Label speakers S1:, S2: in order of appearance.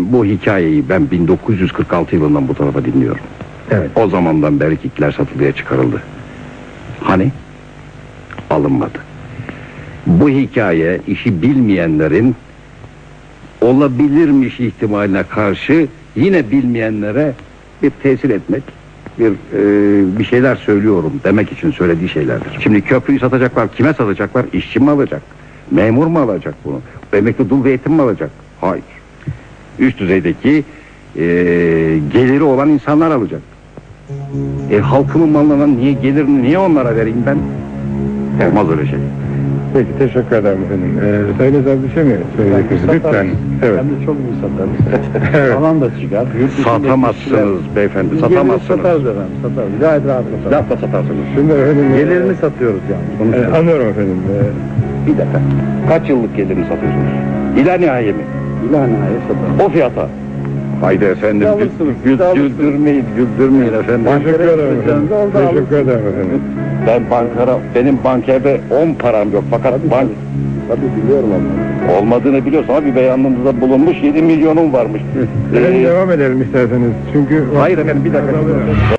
S1: efendim, bu hikayeyi ben 1946 yılından bu tarafa dinliyorum.
S2: Evet.
S1: O zamandan beri kitler satılıya çıkarıldı. Hani? Alınmadı. Bu hikaye işi bilmeyenlerin olabilirmiş ihtimaline karşı yine bilmeyenlere bir tesir etmek, bir şeyler söylüyorum demek için söylediği şeylerdir. Şimdi köprüyü satacaklar, kime satacaklar? İşçi mi alacak? Memur mu alacak bunu? Emekli dul ve yetim mi alacak? Hayır. Üst düzeydeki geliri olan insanlar alacak. Halkımın malına gelirini niye onlara vereyim ben? Olmaz öyle şey.
S2: Peki, teşekkür ederim efendim. Söyleyeceğiz bir şey mi söyleyeceksiniz? Lütfen. Evet.
S3: Hem de çok iyi satarız. Alan da çıkar.
S1: Satamazsınız beyefendi, satamazsınız.
S3: Satarız efendim, satarız. Gayet rahat satarız.
S1: Lafla satarsınız.
S2: Şimdi efendim...
S3: Gelirini satıyoruz yani.
S2: Anlıyorum efendim.
S1: Bir dakika. Kaç yıllık gelirini satıyorsunuz? İla nihai mi?
S3: İlhanaya satarız.
S1: O fiyata. Haydi efendim, güldürmeyin efendim.
S2: Teşekkür ederim efendim. Teşekkür ederim efendim.
S1: Ben benim bankerde 10 param yok fakat
S3: Tabii biliyorum onu.
S1: olmadığını biliyorsun ama bir beyanınızda bulunmuş 7 milyonum varmış.
S2: Devam edelim isterseniz. Çünkü...
S1: Hayır efendim, bir dakika.